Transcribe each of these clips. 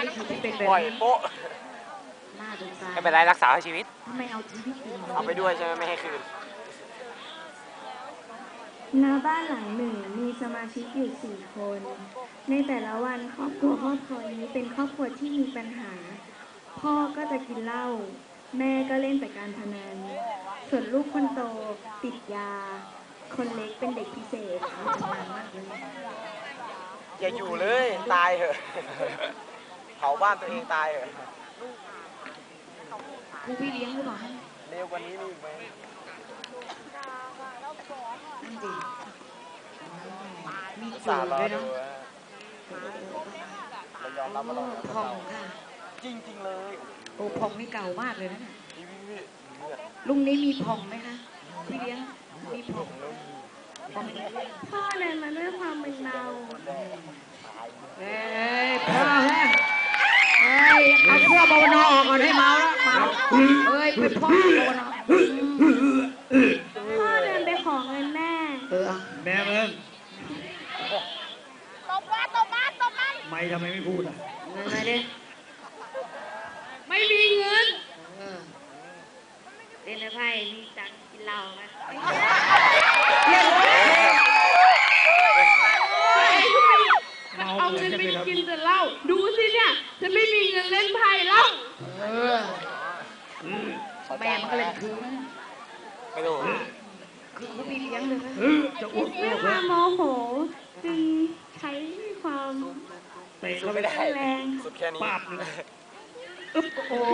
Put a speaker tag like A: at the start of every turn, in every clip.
A: คือที่เป็นแบบ
B: ปล่อยโป๊ะ
A: น่าสงสาร
B: ไม่เป็นไรรักษาชีวิต
A: ทำไมเอาชีวิต
B: เอาไปด้วยใช่ไหมไม่ให้คืน
C: ณบ้านหลังหนึ่งมีสมาชิกอยู่4 คน ในแต่ละวันครอบครัวนี้เป็นครอบครัวที่มีปัญหา พ่อก็จะกินเหล้าแม่ก็เล่นแต่การพนันส่วนลูกคนโตติดยาคนเล็กเป็นเด็กพิเศษทำงานมากเลย
B: อย่าอยู่เลยตายเหอะเผาบ้านตัวเองตายเหอะ
A: ครูพี่เลี้ยงหรือเปล่า
B: เร็วกว่านี้มีอีกไหม
A: นั่นดิมีจู
B: สา
A: บ
B: รอ
A: ด้วย
B: ดู
A: เนาะ
B: เรายอมรับว่าเรา
A: พองค่ะ
B: จริงๆเลย
A: โอ้พองนี่เก่ามากเลยนะเนี่ยลุงนี้มีพองไหมคะพี่เลี้ยงมีพอง
C: พ่อเดินมาด้วยความมึนเมา
A: เอ้ยพ่อแห้งเอ้ยเอาพวกบวนออกก่อนให้เมาแล้วเมาเอ้ยไปพ่อบวนอ
C: พ่อเดินไปขอเงินแม่
D: แม่มึง
E: ตบมัน
D: ไม่ทำไมไม่พูดอ่ะ
A: เงินอะไรดิ
E: ไม่มีเงิน
C: เล่นไพ่มีตังกินเหล้าไหม
E: เอาเงินไปกินแต่เหล้าดูสิเนี่ยฉันไม่มีเงินเล่นไพ่แล้ว
A: แม่มันก็เลยคืน
B: ไม่รู้
A: คือพี่เลี้ยงเลยนะ
D: จะอ้วก
C: ด้วยความโมโหจึงใช้ความ
D: เตะเรา
B: ไม่ได้
C: แรง
B: สุดแค่นี้
D: ปาบเลย
A: โอ้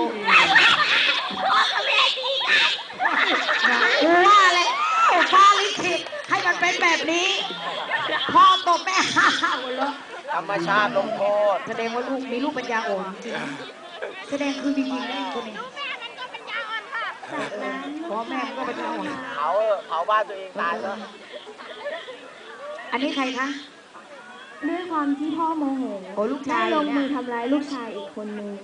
A: ว่าอะไรฟ้าลิขิตให้มันเป็นแบบนี้พ่อตบแม่ฮ่าเลย
B: ธรรมชาติลงโทษ
A: แสดงว่าลูกมีลูกปัญญาอ่อนจริงแสดงคือมีจริงแน่คนนี้
C: จากนั้น
A: พ่อแม่ก็ปัญญาอ่อน
B: เผาบ้านตัวเองตายแล้ว
A: อันนี้ใครคะ
C: ด้วยความที่พ่อโมโห
A: ลูกชาย
C: ลงมือทำร้ายลูกชายอีกคนนึง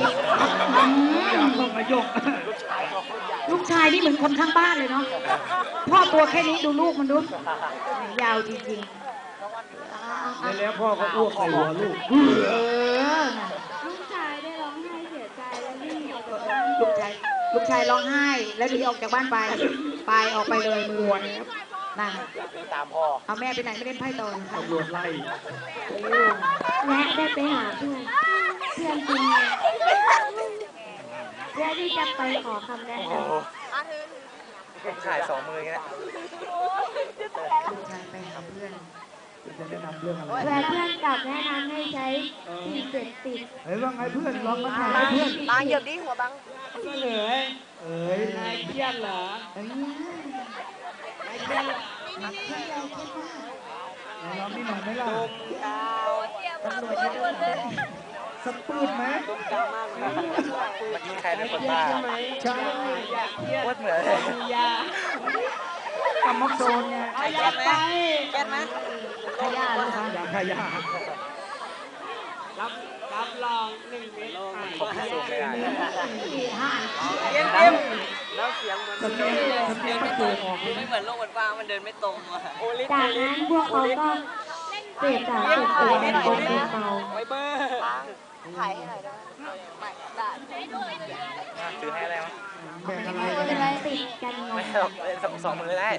D: ต้องมายก
A: ลูกชายนี่เหมือนคนข้างบ้านเลยเนาะพ่อตัวแค่นี้ดูลูกมันดูยาวจริง
D: ๆแล้วพ่อก็อ้วกใส่หัวลูก
C: ลูกชายได้ร้องไห้เสียใจแล้ววิ่งออกจากบ้าน
A: ลูกชายร้องไห้แล้วหนีออกจากบ้านไปออกไปเลยมือนั่น
B: ตามพ่อ
A: เอาแม่ไปไหนไม่เล่นไพ่ต่อ
D: ตำรวจไล่
C: และได้ไปหาเพื่อนจริงเพื่อที่จะไปขอคำแนะน
B: ำขาย2 มือแค่
A: ลูกชายไปหาเพื่อน
D: จะแนะนำเรื่องอะไร
C: และเพื่อนกลับแนะนำให้ใช้สิ่งเสพติด
D: เฮ้ยว่าไงเพื่อนลองมาถ่ายให้เพื่อน
B: บางเหยียบดิหัวบัง
D: นายเครียดเหรอนายเครียดเราไม่หน่อยไหมล่ะ
A: ตำรวจจะ
D: สักปืนไหม
B: เมื่อกี้ใครเป็นคนบ้า
D: ใช่
B: วัดเหมือน
D: กำมักโซนไง
B: แก้ไหม
A: ขยะเลยค่ะ
D: ขยะ
E: รับรอง1 เม็ด
B: ขอบคุณไม่ได้
E: แล้วเสียงมัน
D: ไม่เกินออก
B: ไม่เหมือนโลกมันกว้างมันเดินไม่ตรง
C: จากนั้นพวกเขาก็เสพสารเสพติดในกลุ่มเบา
B: ไวเบอร์ถ่ายให้หน่อยได้ซื้อให้อะไรวะ
D: แบ่งอะไร
C: ติดกันไง
B: 2 มือได้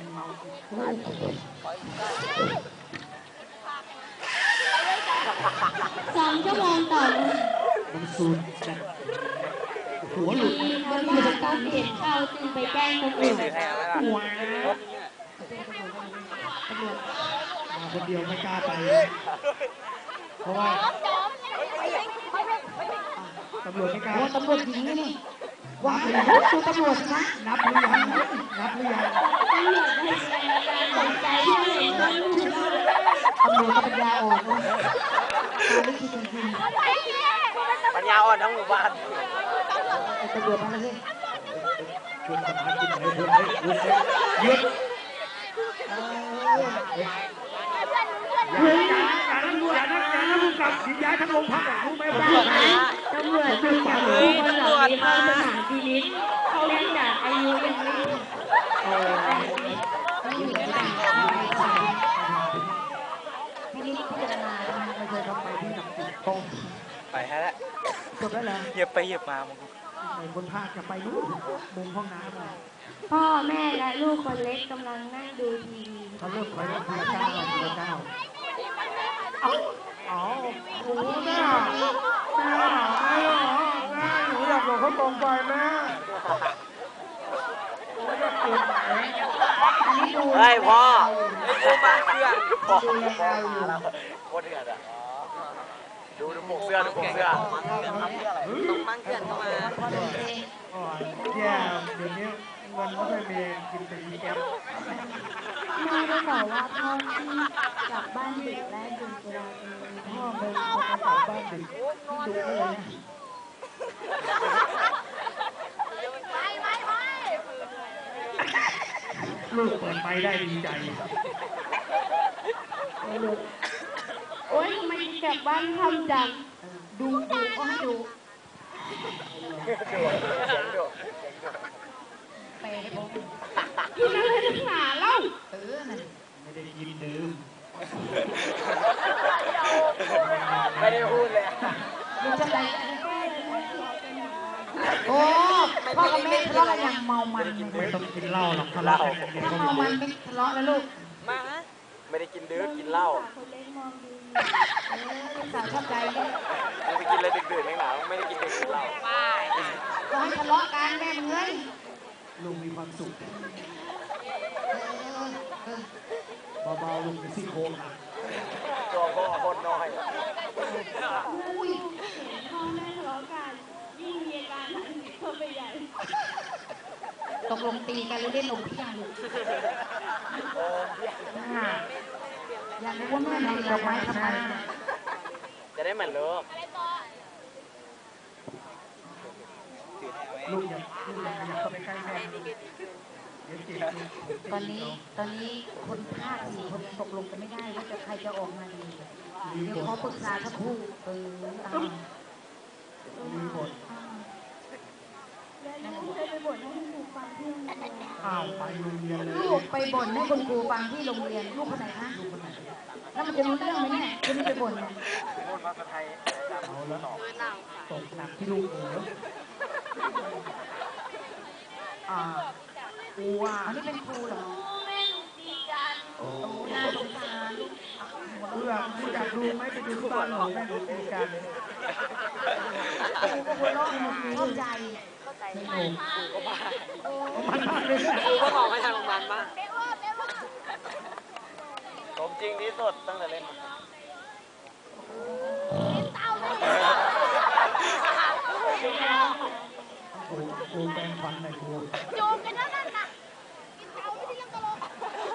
C: 2 ชั่วโมงต่อเลย
D: มันสูดหัวหลุด
C: เขาว่าต้องเห็นเข้าจึงไปแจ้งตำรวจ
D: มาคนเดียวไม่กล้าไปเพราะว่าตำรวจไม่กล้า
A: ตำรวจหญิงนี่ว้าวดูตำรวจนะ
D: นับหรือยัง
C: ตำรวจให้สนใจที่เห็นว่าลูก
A: ตำรวจก็ปัญญาอ่อนนะ
B: ปัญญาอ่อนทั้งหมู่บ้าน
A: ตำรวจมาเลย
D: ชวนสมาชิกให้เพื่อนให้หยุดอย่านะผู้กับย้ายทั้งโรงพักรู้ไหมผม
C: จากนั้นตำรวจจึงจับผู้คนเหล่านี้เข้าสถานพินิจเนื่องจากอายุยังไม่ถึง
A: พี่นิดพิจารณาไม่เคยเข้าไปที่หนักติดตรง
B: ไปให้ได้แล้ว
A: จบแล้วเหรอ
B: เหยียบไปเหยียบมามึง
A: ไอ้คนภาคจะไปนู่นมุมห้องน้ำเลย
C: พ่อแม่และลูกคนเล็กกำลังนั่งดูทีวี
A: เขาเริ่มไปแล้วทีละก้าวทีละก้าวอ๋อโอ้โหแม่แม่หาแม่แม่หนูอยากบอกเขาตรงไปแม่โอ้ยจะเปลี่ยนไหนอันนี้ดู
B: เฮ้ยพ่อดูมาเสื้อพ่อ
A: ดูแล
B: พ่อ
A: อยู่
B: มาแล้วโคตรเดือดอ่ะดูปกเสื้อดูปกเสื้อ
F: ต้องมั่งเกินเข้ามา
A: อ๋อแย่เดี๋ยวนี้เงินไม่ค่อยมีกินแต่ยีแก๊ป
C: แม่ได้บอกว่าพ่อที่กลับบ้านดึกและดื่มสุราเป็น
A: พ่อเป็นคนกลับบ้านดึกดุเลยนะลูกเปิดไฟได้ดีใจ
E: โอ๊ยทำไมกลับบ้านทำจัง
A: ดูก็ให้ดู
E: กินอะไรนักหนาเล่า
A: ไม่ได้กินดื่ม
B: ไม่ได้พูดเลย
A: ดูจะไปโอ้พ่อกับแม่ทะเลาะกันอย่างเมามันไม่ต้องกินเหล้าหรอกทะเลาะกันอย่างเดียวก็เมามันไม่ทะเลาะแล้วลูก
F: มาฮะ
B: ไม่ได้กินดื้อกินเหล้า
C: คนเล็กมองดูอยู่
A: ลูกสาวชอบใจเนี่ย
B: มึงไปกินอะไรดึกๆนักหนาไม่ได้กินดึกกินเหล้า
A: ก็ให้ทะเลาะกันแม่มึงเอ้ยลุงมีความสุขเบาๆลุงเป็นซี่โครงหัก
B: ตัวพ่อโคตรน้อย
E: พ่อแม่ทะเลาะกันยิ่งมีอาการหนักเข้าไปใหญ่
A: ตกลงตีกันหรือเล่นลมพี่ยังลูกอยากรู้ว่าแม่ทำดอกไม้ทำไม
B: จะได้เหมือนเลิก
A: ลูกอย่าเข้าไปใกล้แม่เดี๋ยวเจ็บตอนนี้คนภาค4 คนตกลงกันไม่ได้ว่าจะใครจะออกมาดีเดี๋ยวขอปรึกษาสักครู่มีบท
C: และลูกเคยไปบ่นให้คุณครูฟังที่โรงเรียน
A: อ้าวไปโรงเรียนเลยลูกไปบ่นให้คุณครูฟังที่โรงเรียนลูกคนไหนคะลูกคนไหนแล้วมันจะรู้เรื่องไหมเนี่ยคุณไปบ่นเนี่ย
B: พูดภาษาไทย
A: เอาแล้วตกหนักที่ลูกเหนียวครูว่าอันนี้เป็นครูเหรอโอ้น่าสงสารเพื่อคุณอยากดูไหมไปดูที่บ้านหนูแม่หนูตีกันครูก็หัวเราะเข้าใจไม่หนูมันมากเลย
F: กูก็มองไปทางโรงพยาบาลบ้าง
B: สมจริงที่สุดตั้งแต่เล่นมา
A: ครูแปลงฟันหน่อยครู
C: โยมกันนั่นน่ะกินเตาไม่ได้ยังตลก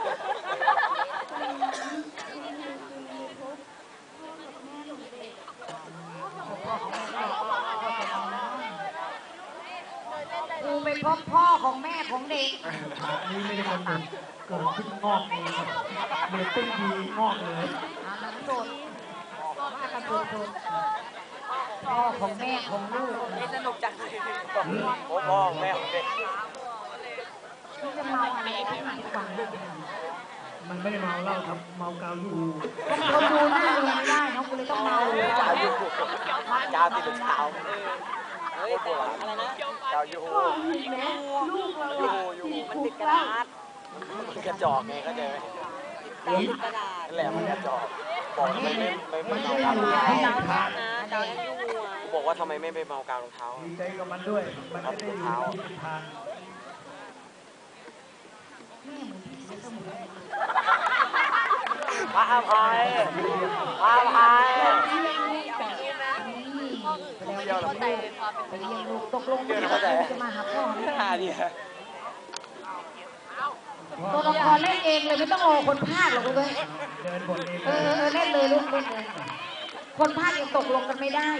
C: ครูไปพบพ่อของแม่ของเด็ก
A: อันนี้ไม่ได้กำหนดเกิดขึ้นงอกเองเด็กตึ้งดีงอกเลย
C: หนังสดว่ากันสดพ่อของแม่ของลูก
F: นี่สนุกจังเลย
B: พ่อแม่ของเด็ก
C: ที่จะเมาอะไรได้หนักกว่า
A: มันไม่ได้เมาเหล้าครับเมากาวยู
C: เขาดูหน้าเรียนไม่ได้เนาะกูเลยต้องเมาเลย
B: กาวยูกาวติดเท้า
F: เฮ้ยแต่อะไรนะ
B: กาวยู
E: แม่ลูกเรา
B: ยู
E: อะ
B: ยู
F: มันติดกระดาษ
B: กระจอกไงเข้าใจไหม
F: ติดกระดาษ
B: นั่นแหละมันกระจอกบอกทำไมไม่
A: มัน
B: เมา
A: ไม่
B: กาวรอง
A: ได้
B: เท้า
A: อยู่ในทาง
F: นะดาวยังอยู่อ่ะ
B: บอกว่าทำไมไม่ไปเมากาวรองเท้า
A: ดีใจกับมันด้วย มันไม่ได้อยู่ในที่ทาง
B: พระอภัยพระอภัย
C: เดี๋ยวเราไปเรียนลูกตกลงจะมาหาพ่อ
B: ท่าดี
C: ตัวละครเล่นเองเลยไม่ต้องรอคนภาคหรอกเลย
A: เดินบนเอง
C: เล่นเลยลูกเล่นเลยคนภาคยังตกลงกันไม่ได้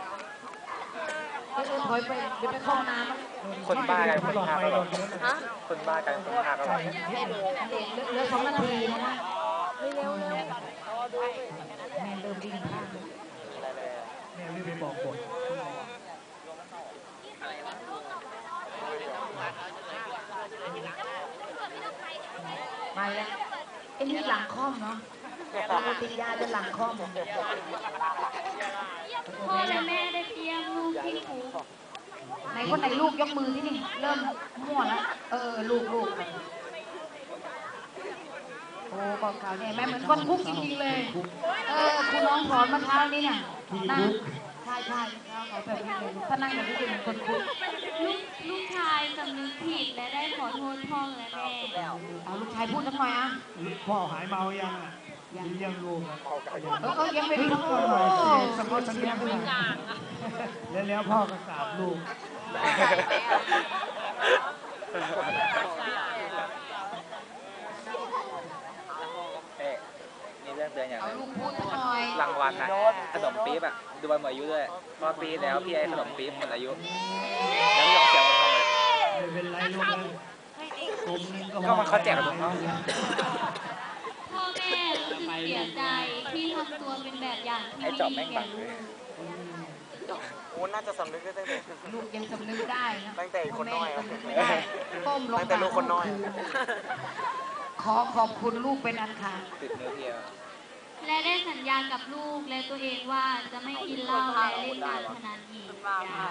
C: ถอยไปเดี๋ยวไปเข้าน้ำ
B: คนบ้ากันคนภาคก็แบบ
F: ฮะ
B: คนบ้ากันคนภาคก็แบบ
C: เหลือ2 นาทีนะเร็วแม่เริ่มวิ่งภาค
A: แม่ไม่ไปบอกบท
C: มาแล้วไอ้นี่หลังค่อมเนาะ
A: กูติดยาจะหลังคอม
C: พ่อและแม่ได้เตรียมลูกที่คุก
A: ไหนคนไหนลูกยกมือที่นี่เริ่มมั่วแล้วลูกโอ้กองขาวเนี่ยแม่เหมือนคนคุกจริงๆเลยคุณน้องสอนเมื่อเช้านี้เนี่ยนั่งใช่เขาแบบนี้เลยถ้านั่งแบบนี้จะเหมือนคนคุก
C: ลูกชายสำนึกผิดและได้ขอโทษพ่อและแม่
A: เอาลูกชายพูดสักหน่อยอ่ะ
D: พ่อหายเมายังอ่ะเลี้ยงลูกอ่ะ
A: ยังไม่รู้
D: ก็หน่อยสิสมมติสัญญาขึ้นมาแล้วพ่อก็กราบลูก
B: มีเรื่องเตือนอย่าง
A: เอา
B: นึง
A: ลูกพูดสักหน่อย
B: รางวัลนะขนมปี๊บอ่ะดูวันหมดอายุด้วยพอปีแล้วพี่ไอ้ขนมปี๊บหมดอายุแล้วพี่ลองเสียงมันทำเลย
D: ไม่เป็นไรลูกนะกลมนึง
B: ก็มันเขาแจกกับเขา
C: พ่อแม่รู้สึกเสียใจที่ทำตัวเป็นแบบอย่างที่
B: ไอ้
C: ไม่
B: จอบ
C: ดี
B: แม่ง
C: แก่
B: บัง
C: ลู
B: เลย
C: ก
B: โอ้น่าจะสำนึกได้ตั้งแต่
A: ลูกยังสำนึกได้นะ
B: ตั้งแต่คนน้อย
A: สำนึกไม่ได้ก้มลง
B: ตั้งแต่ลูกคนน้อย
A: ขอขอบคุณลูกเป็นอันขาด
B: ติดเนื้อเพีย
C: และได้สัญญากับลูกและตัวเองว่าจะไม่กินเหล้าและเล่นการพนันอีก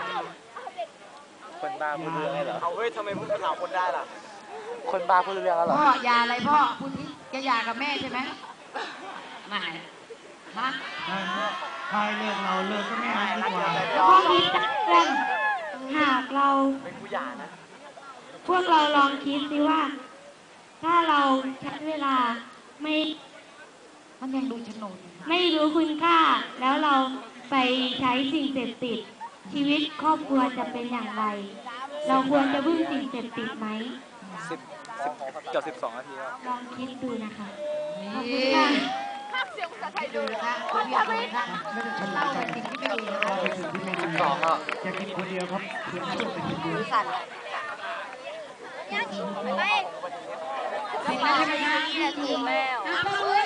B: คนบ้าพูดเรื่องได้เหรอเอาเฮ้ยทำไมพูดภาษาคนได้ล่ะคนบ้าพูดเรื่องแล้วเหรอ
A: พ่ออย่าอะไรพ่อพูดที่จะหย่ากับแม่ใช่ไหมไม่ฮะ
D: พายเลิกเราเลิกก็ไม่เอาดีกว่า
C: พ่อคิดกันหากเรา
B: เป็นผู้หย่านะ
C: พวกเราลองคิดสิว่า ถ้าเราใช้เวลาไม่
A: มันยังดูโฉนด
C: ไม่รู้คุณค่า แล้วเราไปใช้สิ่งเสพติด ชีวิตครอบครัวจะเป็นอย่างไร เราควรจะพึ่งสิ่งเสพติดไหม
B: เกือบ12 นาทีแล้ว
C: ลองคิดดูนะคะ
A: นี่ดูนะคะคุณพี่ดูนะคะ
D: ไม่ได้ชน
A: เล่า
D: ใจ
A: เป็นสิ่งที่ไม่ดีนะคะ
D: เป็นสิ่งที่ไม่ดี
B: 12อ่ะ
D: จะกินคนเดียวครับเพื่อนลูกไปกินดู
F: สั่น
A: เห็นไหมใช่ไหมคะ
F: นี่แหละถูกแล้ว
C: พ่อ